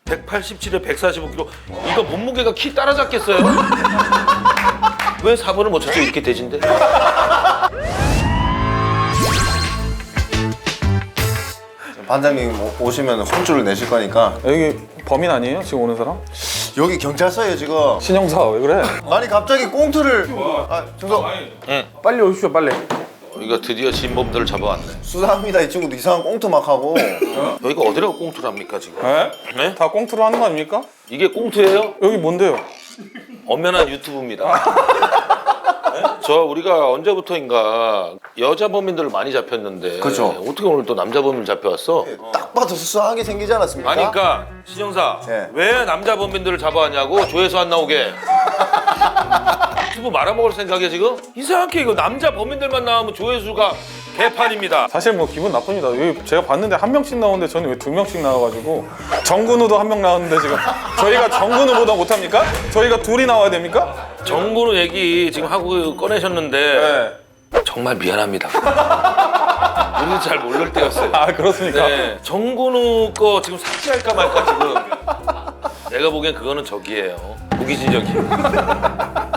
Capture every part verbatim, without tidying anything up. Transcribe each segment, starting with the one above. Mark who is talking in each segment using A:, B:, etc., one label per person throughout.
A: 백팔십칠에 백사십오 킬로그램. 이거 몸무게가 키 따라잡겠어요? 왜 사 번을 못 쳤죠? 이렇게 대진데?
B: 반장님 오- 오시면 혼쭐을 내실 거니까.
C: 여기 범인 아니에요? 지금 오는 사람?
B: 여기 경찰서예요 지금.
C: 신형사 왜 그래?
B: 아니 갑자기 꽁트를. 아 정석
D: 빨리 오십시오, 빨리.
A: 이거 드디어 진범들을 잡아왔네.
B: 수사합니다. 이 친구도 이상한 꽁트 막 하고.
A: 여기가 어디라고 꽁투를 합니까 지금?
C: 네?
A: 네?
C: 다 꽁트로 하는 거 아닙니까?
A: 이게 꽁투예요?
C: 여기 뭔데요?
A: 엄연한 유튜브입니다. 네? 저 우리가 언제부터인가 여자 범인들을 많이 잡혔는데
B: 그죠.
A: 어떻게 오늘 또 남자 범인 잡혀왔어?
B: 딱 봐도 수상하게 생기지 않았습니까?
A: 아니 그러니까 신영사
B: 네.
A: 왜 남자 범인들을 잡아왔냐고 조회수 안 나오게. 유튜브 말아먹을 생각이야 지금? 이상하게 이거 남자 범인들만 나오면 조회수가 개판입니다.
C: 사실 뭐 기분 나쁩니다. 여기 제가 봤는데 한 명씩 나오는데 저는 왜 두 명씩 나와가지고 정근우도 한 명 나왔는데 지금 저희가 정근우보다 못합니까? 저희가 둘이 나와야 됩니까?
A: 정근우 얘기 지금 하고 꺼내셨는데
C: 네.
A: 정말 미안합니다. 우리는 잘 모를 때였어요.
C: 아 그렇습니까?
A: 네, 정근우 거 지금 삭제할까 말까 지금. 내가 보기엔 그거는 적이에요. 무기징역이에요.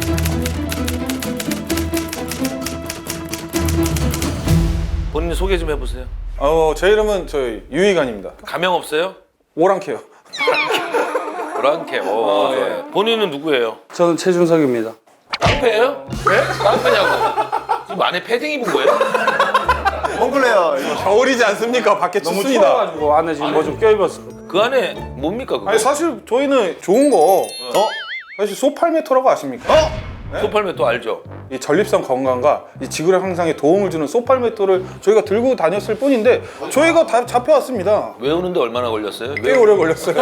A: 본인 소개 좀 해보세요.
C: 어, 제 이름은 저희 유희관입니다.
A: 가명 없어요?
C: 오랑캐요.
A: 오랑캐. 오, 좋아요. 본인은 누구예요?
D: 저는 최준석입니다.
A: 깡패예요? 네? 깡패냐고. 지금 안에 패딩 입은 거예요?
B: 몽클레어 이거.
C: 겨울이지 않습니까? 밖에
D: 너무
C: 춥습니다.
D: 추워가지고 안에 지금 뭐 좀 껴입었어.
A: 그 안에 뭡니까 그거?
C: 아니 사실 저희는 좋은 거
B: 어?
C: 사실 소팔메토라고 아십니까?
B: 어?
A: 소팔메 또 알죠?
C: 이 전립선 건강과 이 지구력 향상에 도움을 주는 소팔메토를 저희가 들고 다녔을 뿐인데 저희가 다 잡혀왔습니다.
A: 외우는데 얼마나 걸렸어요?
C: 꽤 오래 걸렸어요.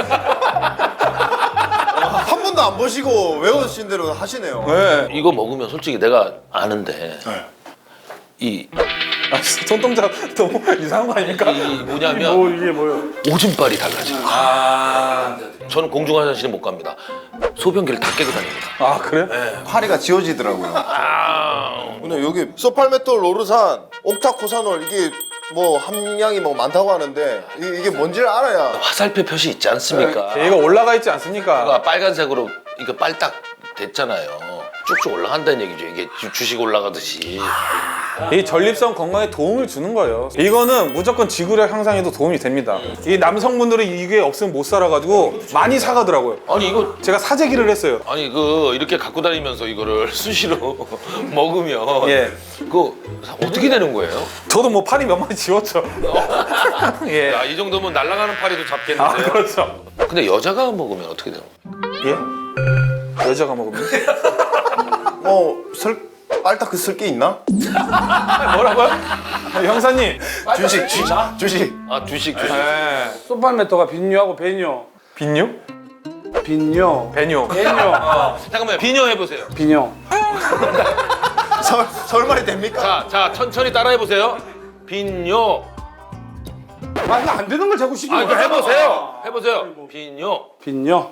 B: 한 번도 안 보시고 외우신 대로 하시네요.
C: 네.
A: 이거 먹으면 솔직히 내가 아는데 이,
C: 아, 손동작 너무 이상한 거 아닙니까?
A: 이 뭐냐면
D: 뭐 이게 뭐요?
A: 오줌빨이 달라져요.
C: 아,
A: 저는 공중화장실에 못 갑니다. 소변기를 다 깨고 다닙니다.
C: 아 그래?
B: 파리가 지워지더라고요.
A: 아,
B: 근데 여기 소팔메톨, 로르산, 옥타코사놀 이게 뭐 함량이 뭐 많다고 하는데 이, 이게 뭔지를 알아야.
A: 화살표 표시 있지 않습니까?
C: 얘가 올라가 있지 않습니까?
A: 그가 빨간색으로 이거 빨딱 됐잖아요. 쭉쭉 올라간다는 얘기죠. 이게 주- 주식 올라가듯이.
C: 이 전립선 건강에 도움을 주는 거예요. 이거는 무조건 지구력 향상에도 도움이 됩니다. 이 남성분들은 이게 없으면 못 살아가지고 많이 사가더라고요.
A: 아니 이거
C: 제가 사재기를 했어요.
A: 아니 그 이렇게 갖고 다니면서 이거를 수시로 먹으면
C: 예.
A: 그거 어떻게 되는 거예요?
C: 저도 뭐 팔이 몇 마디 지웠죠. 예.
A: 야, 이 정도면 날아가는 파리도
C: 아
A: 잡겠는데요.
C: 그렇죠.
A: 근데 여자가 먹으면 어떻게 되는 거예요?
C: 예? 여자가 먹으면?
B: 뭐설 빨딱 그 쓸 게 있나?
C: 뭐라고요? 아, 형사님.
B: 주식, 주식, 주식.
A: 아 주식 주식.
C: 예.
D: 소팔메토가 빈뇨하고 배뇨.
C: 빈뇨?
D: 빈뇨.
C: 배뇨.
D: 배뇨.
A: 잠깐만요. 비녀 해보세요.
D: 빈뇨.
B: 설 설말이 됩니까?
A: 자, 자 천천히 따라해 보세요. 비녀.
D: 아, 이거 안 되는 걸 자꾸 시키는
A: 아, 이거 해보세요. 해보세요. 비녀.
D: 빈뇨.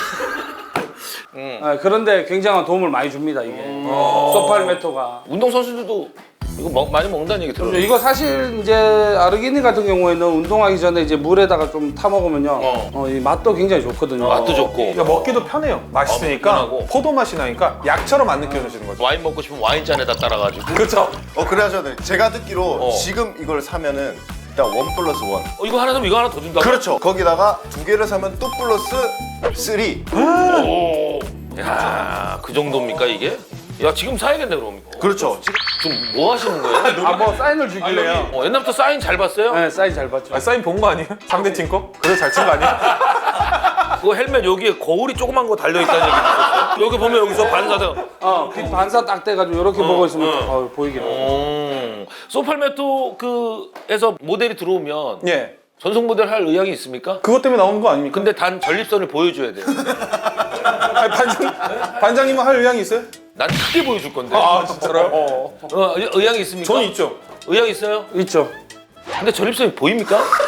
D: 아, 그런데 굉장한 도움을 많이 줍니다 이게. 소팔메토가.
A: 운동 선수들도 이거 먹, 많이 먹는다는 얘기 들어요.
D: 이거 사실 이제 아르기닌 같은 경우에는 운동하기 전에 이제 물에다가 좀 타 먹으면요,
A: 어.
D: 어, 이 맛도 굉장히 좋거든요.
A: 맛도 좋고.
C: 그러니까 먹기도 편해요. 맛있으니까
A: 어, 편하고.
C: 포도 맛이 나니까 약처럼 안 느껴지는 거죠.
A: 와인 먹고 싶으면 와인잔에다 따라가지고.
C: 그렇죠.
B: 어 그래 하셔야 돼. 제가 듣기로
A: 어.
B: 지금 이걸 사면은 일단 원 플러스 원.
A: 어, 이거 하나 사면 이거 하나 더 준다고?
B: 그렇죠. 거기다가 두 개를 사면 또 플러스 쓰리.
A: 오. 야, 그 정도입니까 이게? 야, 지금 사야겠네 그럼 이거.
B: 그렇죠.
A: 지금 뭐 하시는 거예요?
D: 아, 뭐 사인을 주길래요.
A: 어, 옛날부터 사인 잘 봤어요?
D: 네, 사인 잘 봤죠.
C: 아, 사인 본 거 아니에요? 상대팀 거? 그래서 잘 친 거 아니에요?
A: 그 헬멧 여기에 거울이 조그만 거 달려있다는 얘기 들었어요? 여기 보면 여기서 반사다.
D: 어, 빛 반사 딱 돼가지고 이렇게 보고 있으면
A: 어.
D: 어, 보이긴 해.
A: 음. 소팔메토 그에서 모델이 들어오면
C: 예.
A: 전속 모델 할 의향이 있습니까?
C: 그것 때문에 나오는 거 아닙니까?
A: 근데 단 전립선을 보여줘야 돼요.
C: 아니, 반장, 반장님은 할 의향이 있어요?
A: 난 크게 보여줄 건데.
C: 아 진짜로요? 어.
A: 어, 의- 의향이 있습니까?
C: 저는 있죠.
A: 의향 있어요?
D: 있죠.
A: 근데 전립선이 보입니까?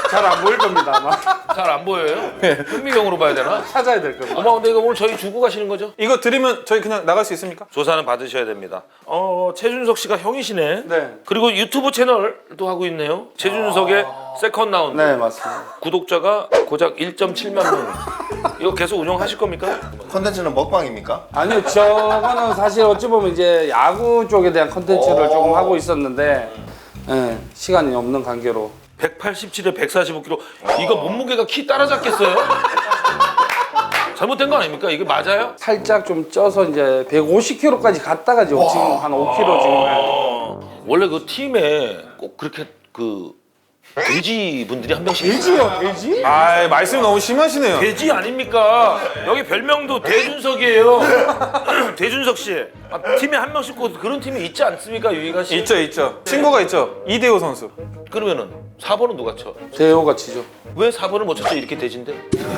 D: 잘 안 보일 겁니다 아마.
A: 잘 안 보여요? 현미경으로 봐야 되나?
D: 찾아야 될 겁니다.
A: 어머, 근데 이거 오늘 저희 주고 가시는 거죠?
C: 이거 드리면 저희 그냥 나갈 수 있습니까?
A: 조사는 받으셔야 됩니다. 어, 최준석 씨가 형이시네.
D: 네.
A: 그리고 유튜브 채널도 하고 있네요. 최준석의 세컨 라운드.
D: 네 맞습니다.
A: 구독자가 고작 일 점 칠만 명. 이거 계속 운영하실 겁니까?
B: 컨텐츠는 먹방입니까?
D: 아니요 저거는 사실 어찌 보면 이제 야구 쪽에 대한 컨텐츠를
B: 오.
D: 조금 하고 있었는데 예, 시간이 없는 관계로.
A: 백팔십칠에 백사십오 킬로그램. 이거 몸무게가 키 따라잡겠어요? 잘못된 거 아닙니까? 이게 맞아요?
D: 살짝 좀 쪄서 이제 백오십 킬로그램까지 갔다가 지금 한 오 킬로그램 지금.
A: 원래 그 팀에 꼭 그렇게 그 돼지 분들이 한 명씩
D: 돼지요 돼지?
C: 아 말씀이 너무 심하시네요.
A: 돼지 아닙니까? 여기 별명도 대준석이에요. 대준석 씨. 아, 팀에 한 명씩 꼭 그런 팀이 있지 않습니까, 유희가 씨?
C: 있죠 있죠. 친구가 있죠. 이대호 선수.
A: 그러면은 사 번은 누가 쳐?
D: 대호가 치죠.
A: 왜 사 번을 못 쳤죠? 이렇게 돼지인데?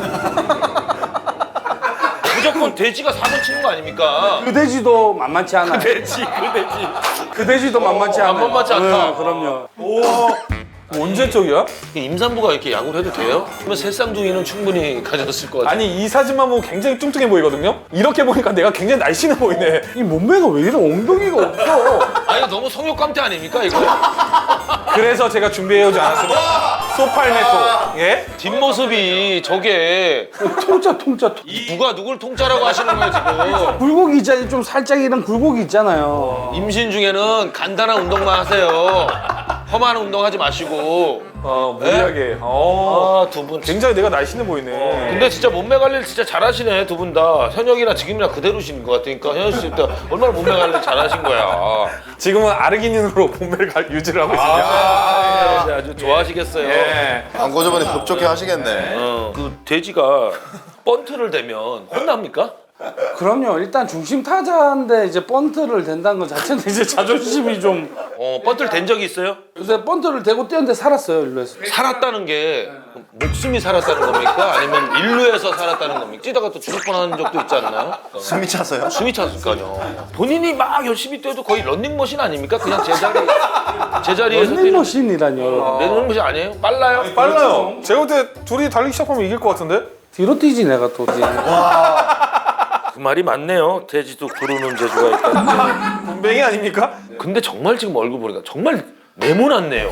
A: 무조건 돼지가 사 번 치는 거 아닙니까?
D: 그 돼지도 만만치 않아요.
A: 돼지, 그 돼지.
D: 그 돼지도 만만치 않아요.
A: 만만치 않다.
D: 네, 그럼요.
C: 언제 쪽이야?
A: 임산부가 이렇게 야구를 해도 돼요? 그러면 새 쌍둥이는 충분히 가졌을 것 같아요.
C: 아니 이 사진만 보면 굉장히 뚱뚱해 보이거든요. 이렇게 보니까 내가 굉장히 날씬해 보이네.
D: 이 몸매가 왜 이래 엉덩이가 없어.
A: 아니 너무 성욕감퇴 아닙니까 이거?
C: 그래서 제가 준비해오지 않았습니다. 소팔메토. 예?
A: 뒷모습이 저게
D: 통짜 통짜 통.
A: 누가 누굴 통짜라고 하시는 거예요 지금?
D: 굴곡이 있잖아요. 좀 살짝 이런 굴곡이 있잖아요.
A: 임신 중에는 간단한 운동만 하세요. 험한 운동 하지 마시고.
C: 어 무리하게. 어.
A: 아, 두 분.
C: 굉장히 내가 날씬해 보이네.
A: 근데 진짜 몸매 관리를 진짜 잘하시네 두 분 다. 현역이나 지금이나 그대로신 것 같으니까 현역 씨 때 얼마나 몸매 관리 잘하신 거야.
C: 지금은 아르기닌으로 몸매를 가- 유지를 하고 있습니다.
A: 아, 네, 아주 좋아하시겠어요.
C: 예.
B: 광고 저번에 흡족해 하시겠네.
A: 어, 그 돼지가 번트를 대면 혼납니까?
D: 그럼요. 일단 중심 타자인데 이제 번트를 댄다는 것 자체는 이제 자존심이 좀.
A: 어, 번트를 댄 적이 있어요?
D: 요새 번트를 대고 뛰었는데 살았어요 일루에서.
A: 살았다는 게 목숨이 살았다는 겁니까? 아니면 일루에서 살았다는 겁니까? 찌다가 또 죽을 뻔한 적도 있지 않나요?
B: 숨이 차서요?
A: 숨이 찼을까요? 본인이 막 열심히 뛰어도 거의 런닝머신 아닙니까? 그냥 제자리 제자리에서 뛰는
D: 런닝머신이라뇨.
A: 런닝머신 아니에요? 빨라요?
C: 빨라요. 제가 볼 때 둘이 달리기 시작하면 이길 것 같은데?
D: 뒤로 뛰지 내가 또 이제.
A: 그 말이 맞네요. 돼지도 구르는 재주가 있다는 게.
C: 분뱅이 아닙니까?
A: 근데 정말 지금 얼굴 보니까 정말 네모났네요.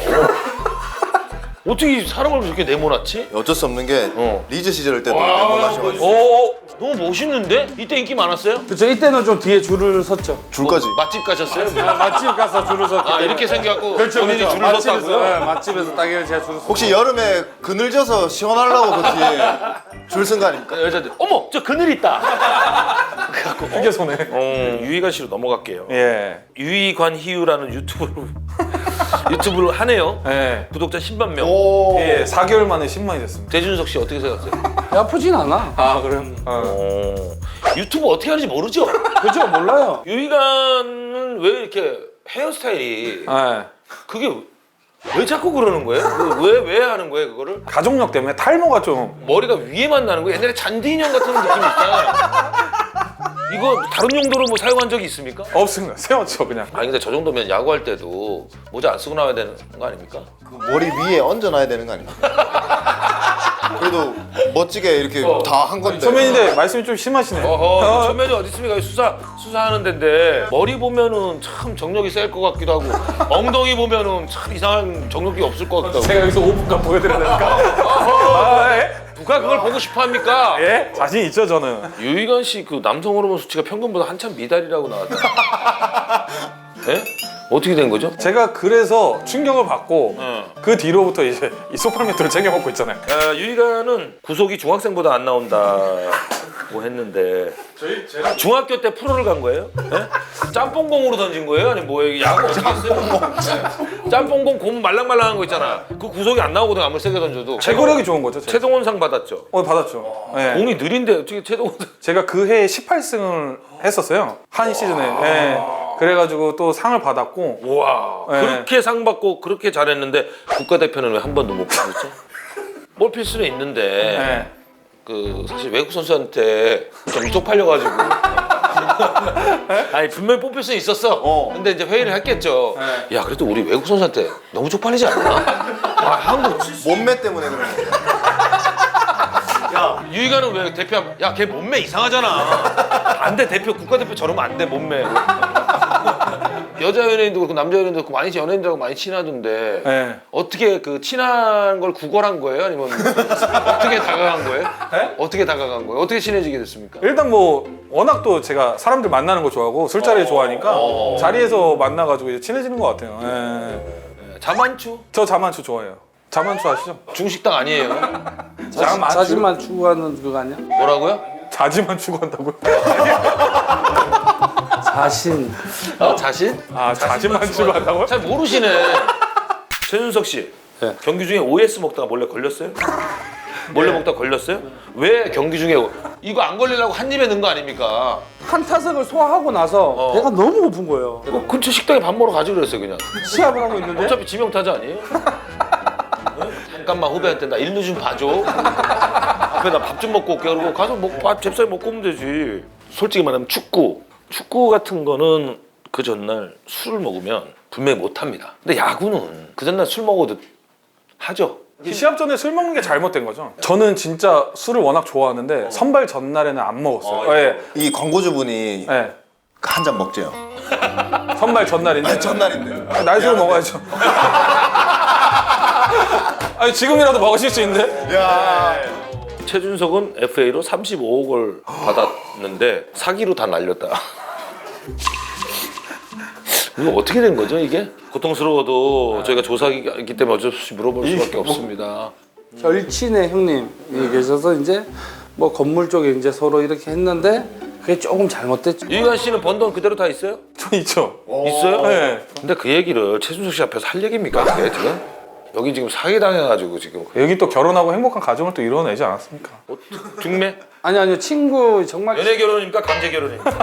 A: 어떻게 사람 얼굴 이렇게 네모났지?
B: 어쩔 수 없는 게
A: 어.
B: 리즈 시절 때도 내보내셔가지고
A: 오, 너무 멋있는데? 이때 인기 많았어요?
D: 그쵸 이때는 좀 뒤에 줄을 섰죠.
B: 줄까지.
A: 맛집 가셨어요?
D: 맛집 가서 줄을 섰기
A: 아
D: 때문에.
A: 이렇게 생겨갖고
D: 그렇죠,
A: 본인이
D: 그렇죠.
A: 줄을
D: 맛집에서,
A: 섰다고요?
D: 네, 맛집에서 딱 이렇게 제가 줄을 섰.
B: 혹시 여름에 그늘져서 시원하려고 그 뒤에 줄 쓴 거 아닙니까?
A: 여자들 어머 저 그늘 있다. 그래갖고
C: 이게 손에.
A: 어, 유희관 씨로 넘어갈게요.
C: 예.
A: 유희관 희유라는 유튜브로 유튜브를 하네요.
C: 예.
A: 구독자 십만 명.
B: 오.
C: 예. 사 개월 만에 십만이 됐습니다.
A: 대준석 씨 어떻게 생각하세요?
D: 아프진 않아.
C: 아 그래요? 어.
A: 어, 유튜브 어떻게 하는지 모르죠?
D: 그죠 몰라요.
A: 유희관은 왜 이렇게 헤어스타일이
C: 예.
A: 그게 왜 자꾸 그러는 거예요? 왜 왜 하는 거예요 그거를?
C: 가족력 때문에 탈모가 좀.
A: 머리가 위에만 나는 거예요? 옛날에 잔디 인형 같은 느낌이 있잖아요. 이거 다른 용도로 뭐 사용한 적이 있습니까?
C: 없습니다. 세웠죠 그냥.
A: 아니 근데 저 정도면 야구할 때도 모자 안 쓰고 나와야 되는 거 아닙니까?
B: 그 머리 위에 얹어놔야 되는 거 아닙니까? 그래도 멋지게 이렇게 다 한 건데.
C: 선배님인데 말씀이 좀 심하시네.
A: 어허 천면이 어디 있습니까? 수사 수사하는 데인데 머리 보면은 참 정력이 셀 것 같기도 하고 엉덩이 보면은 참 이상한 정력이 없을 것 같기도 하고
C: 제가 여기서 오 분간 보여드려야 됩니까? 아, 예?
A: 누가 그걸 보고 싶어 합니까?
C: 예? 자신 있죠 저는.
A: 유희관 씨 그 남성 호르몬 수치가 평균보다 한참 미달이라고 나왔다. 예? 어떻게 된 거죠?
C: 제가 그래서 충격을 받고
A: 어.
C: 그 뒤로부터 이제 이 소팔메토를 챙겨 먹고 있잖아요.
A: 아, 유희관은 구속이 중학생보다 안 나온다고 했는데 중학교 때 프로를 간 거예요? 예? 짬뽕공으로 던진 거예요? 아니 뭐예요? 야구 어떻게 했어요? 짬뽕공 고무 말랑말랑한 거 있잖아. 그 구속이 안 나오거든 아무리 세게 던져도.
C: 제거력이 좋은 거죠. 제가.
A: 최동원상 받았죠.
C: 어 받았죠. 예.
A: 공이 느린데 어떻게 최동원
C: 제가 그 해에 십팔 승을 했었어요. 한 시즌에. 예. 그래가지고 또 상을 받았고.
A: 와
C: 네.
A: 그렇게 상 받고 그렇게 잘했는데 국가대표는 왜 한 번도 못 받았죠? 뽑힐 수는 있는데
C: 예.
A: 그 사실 외국 선수한테 좀 쪽팔려가지고 아니 분명히 뽑힐 수 있었어.
B: 어.
A: 근데 이제 회의를 했겠죠.
C: 네.
A: 야 그래도 우리 외국 선수한테 너무 쪽팔리지 않나? 아, 한국
B: 몸매 때문에 그런 거.
A: 유희관은 왜 대표? 야걔 몸매 이상하잖아. 안 돼 대표 국가대표 저러면 안 돼 몸매. 여자 연예인도 그렇고 남자 연예인도 그렇고 많이 연예인들하고 많이 친하던데
C: 네.
A: 어떻게 그 친한 걸 구걸한 거예요? 아니면 어떻게 다가간 거예요?
C: 네?
A: 어떻게 다가간 거예요? 어떻게 친해지게 됐습니까?
C: 일단 뭐 워낙 또 제가 사람들 만나는 거 좋아하고 술자리 좋아하니까
A: 어.
C: 자리에서 만나가지고 이제 친해지는 것 같아요. 예.
A: 자만추?
C: 저 자만추 좋아해요. 자만추 아시죠?
A: 중식당 아니에요?
C: 자만추.
D: 자지만 추구하는 그거 아니야?
A: 뭐라고요?
C: 자지만 추구한다고요?
D: 자신.
A: 어, 자신?
C: 아 자지만 추구한다고요?
A: 잘 모르시네. 최준석 씨
D: 네.
A: 경기 중에 오에스 먹다가 몰래 걸렸어요? 몰래 먹다가 걸렸어요? 왜 경기 중에 이거 안 걸리려고 한 입에 넣은 거 아닙니까?
D: 한 타석을 소화하고 나서
A: 어.
D: 배가 너무 고픈 거예요.
A: 어, 근처 식당에 밥 먹으러 가지 그랬어요 그냥.
D: 시합을 하고 있는데
A: 어차피 지명타자 아니에요? 네? 잠깐만 후배한테 나 일루 좀 봐줘. 앞에 나 밥 좀 먹고 올게. 그러고 가서 먹, 밥 잽싸게 먹고 오면 되지. 솔직히 말하면 축구. 축구 같은 거는 그 전날 술을 먹으면 분명히 못 합니다. 근데 야구는 그 전날 술 먹어도 하죠.
C: 시합 전에 술 먹는 게 잘못된 거죠. 저는 진짜 술을 워낙 좋아하는데 선발 전날에는 안 먹었어요.
A: 어,
C: 예.
B: 이 광고주분이
C: 예.
B: 한 잔 먹재요.
C: 선발 전날인데.
B: 전날인데.
C: 아, 날 술을 먹어야죠. 아니 지금이라도 먹으실 수 있는데.
B: 야.
A: 최준석은 에프에이로 삼십오억을 받았는데 사기로 다 날렸다. 이거 어떻게 된 거죠 이게? 고통스러워도 저희가 조사하기 때문에 어쩔 수 없이 물어볼 수밖에 없습니다.
D: 절친의 형님이 계셔서 이제 뭐 건물 쪽에 이제 서로 이렇게 했는데 그게 조금 잘못됐죠.
A: 유희관 씨는 번 돈 그대로 다 있어요?
C: 저 있죠.
A: 있어요?
C: 네.
A: 근데 그 얘기를 최준석 씨 앞에서 할 얘기입니까? 그게 지금? 여기 지금 사기 당해가지고 지금
C: 여기 또 결혼하고 행복한 가정을 또 이뤄내지 않았습니까?
A: 어, 중매?
D: 아니 아니요 친구 정말
A: 연애 결혼입니까? 강제 결혼입니까?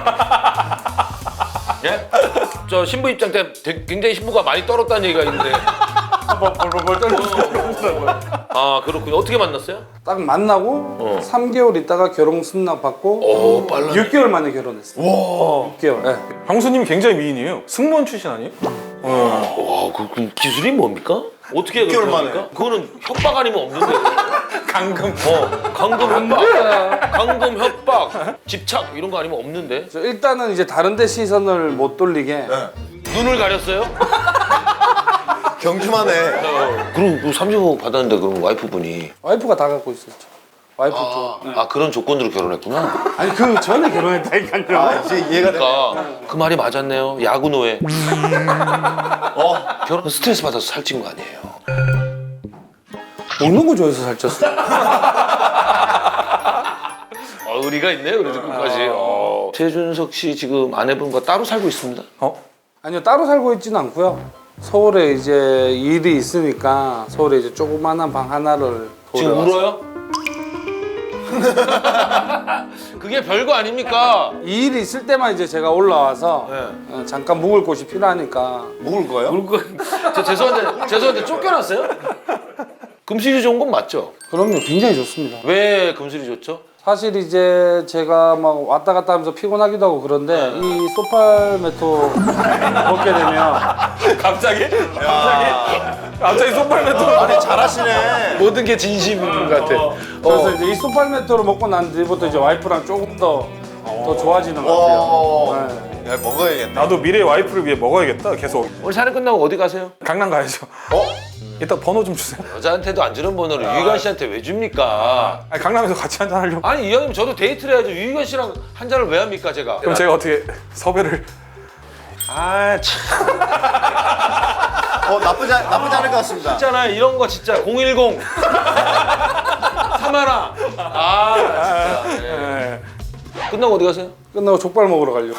A: 예? 저 신부 입장 때 되게 굉장히 신부가 많이 떨었다는 얘기가 있는데.
D: 벌벌벌 떨리고
A: 아 그렇군요. 어떻게 만났어요?
D: 딱 만나고
A: 어.
D: 삼 개월 있다가 결혼 승낙 받고
A: 오 빨라.
D: 육 개월 만에 결혼했어요.
B: 와.
D: 육 개월. 네.
C: 형수님이 굉장히 미인이에요. 승무원 출신 아니에요? 어.
A: 와, 그, 그 기술이 뭡니까? 어떻게
B: 육 개월
A: 그렇게
B: 만에.
A: 합니까? 그거는 협박 아니면 없는데.
C: 강금.
A: 어, 강금 협박, 강금 협박, 집착 이런 거 아니면 없는데.
D: 저 일단은 이제 다른 데 시선을 못 돌리게
B: 네.
A: 눈을 가렸어요?
B: 경기만 해.
A: 어, 그럼 그 삼십억 받았는데 그럼 와이프분이
D: 와이프가 다 갖고 있었죠. 와이프
A: 아,
D: 쪽.
A: 아 그런 조건으로 결혼했구나.
D: 아니 그 전에 결혼했다니까요.
B: 아, 이제 이해가 돼.
A: 그러니까 그 말이 맞았네요. 야구 노예. 어, 결혼 스트레스 받아서 살찐 거 아니에요?
D: 먹는 거 좋아해서 살쪘어.
A: 어, 의리가 있네요. 그래도 끝까지. 어. 최준석 씨 지금 아내분과 따로 살고 있습니다.
C: 어?
D: 아니요 따로 살고 있지는 않고요. 서울에 이제 일이 있으니까 서울에 이제 조그만한 방 하나를
A: 지금
D: 돌려와서.
A: 울어요? 그게 별거 아닙니까?
D: 이 일이 있을 때만 이제 제가 올라와서
A: 네.
D: 어, 잠깐 묵을 곳이 필요하니까.
B: 묵을 거예요?
A: 울고 저 죄송한데 죄송한데 쫓겨났어요? 금실이 좋은 건 맞죠?
D: 그럼요 굉장히 좋습니다.
A: 왜 금실이 좋죠?
D: 사실 이제 제가 막 왔다 갔다 하면서 피곤하기도 하고 그런데 이 소팔메토 먹게 되면
C: 갑자기? 갑자기? 갑자기 소팔메토.
B: 아니 잘하시네.
A: 모든 게 진심인 것 같아.
D: 그래서 이제 이 소팔메토를 먹고 난 뒤부터 이제 와이프랑 조금 더 더 좋아지는 것 같아요.
B: 와.
D: 네.
B: 야 먹어야겠네.
C: 나도 미래 와이프를 위해 먹어야겠다. 계속.
A: 오늘 촬영 끝나고 어디 가세요?
C: 강남 가야죠.
B: 어?
C: 이따 번호 좀 주세요.
A: 여자한테도 안 주는 번호를 유희관 씨한테 왜 줍니까?
C: 아니, 강남에서 같이 한잔 하려고.
A: 아니 이 형님 저도 데이트를 해야죠. 유희관 씨랑 한 잔을 왜 합니까 제가?
C: 그럼 제가 어떻게 섭외를.
A: 아 참.
B: 어 나쁘지 않, 나쁘지 않을 것 같습니다.
A: 있잖아요 이런 거 진짜 공일공 삼하라. 아 진짜. 네.
C: 네.
A: 끝나고 어디 가세요?
D: 끝나고 족발 먹으러 가려고.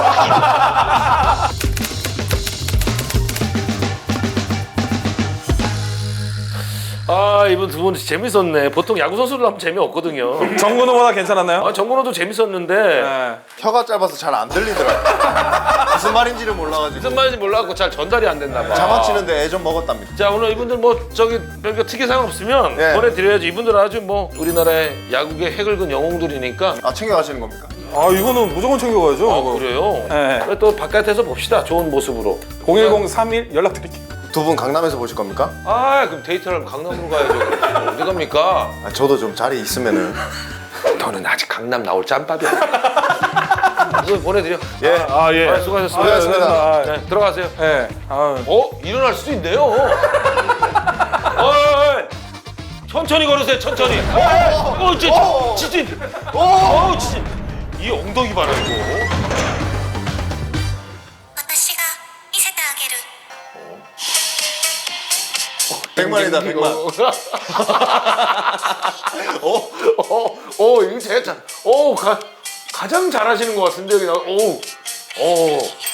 A: 아 이번 두 분 재밌었네. 보통 야구 선수들 하면 재미없거든요.
C: 정근호보다 괜찮았나요?
A: 아 정근호도 재밌었는데
C: 네.
B: 혀가 짧아서 잘 안 들리더라고. 무슨 말인지를 몰라가지고.
A: 무슨 말인지 몰라갖고 잘 전달이 안 됐나 봐.
B: 장난치는데 애 좀 먹었답니다.
A: 자 오늘 이분들 뭐 저기 별거 특이사항 없으면
B: 네.
A: 보내드려야지. 이분들 아주 뭐 우리나라의 야구의 핵을 근 영웅들이니까
B: 아 챙겨가시는 겁니까?
C: 아 이거는 무조건 챙겨가야죠.
A: 아
C: 이거.
A: 그래요?
C: 네.
A: 그래, 또 바깥에서 봅시다. 좋은 모습으로.
C: 공일공 삼일 연락드릴게요.
B: 두 분 강남에서 보실 겁니까?
A: 아 그럼 데이트를 하면 강남으로 가야죠. 어디 갑니까?
B: 아, 저도 좀 자리 있으면은.
A: 너는 아직 강남 나올 짬밥이야. 이거 보내드려.
B: 예.
C: 아 예.
A: 아, 수고하셨습니다.
B: 수고하셨습니다.
C: 아,
A: 네, 들어가세요.
C: 예. 아,
A: 어? 일어날 수도 있네요. 어, 어, 천천히 걸으세요. 천천히. 어, 어, 진짜, 진짜. 어, 진짜. 이 엉덩이 봐라 이거.
E: 私が見せてあげる
B: 백만이다, 백만.
A: 어, 어, 어, 이거 제가 잘, 어, 가, 가장 잘하시는 것 같은데 그냥, 오, 오.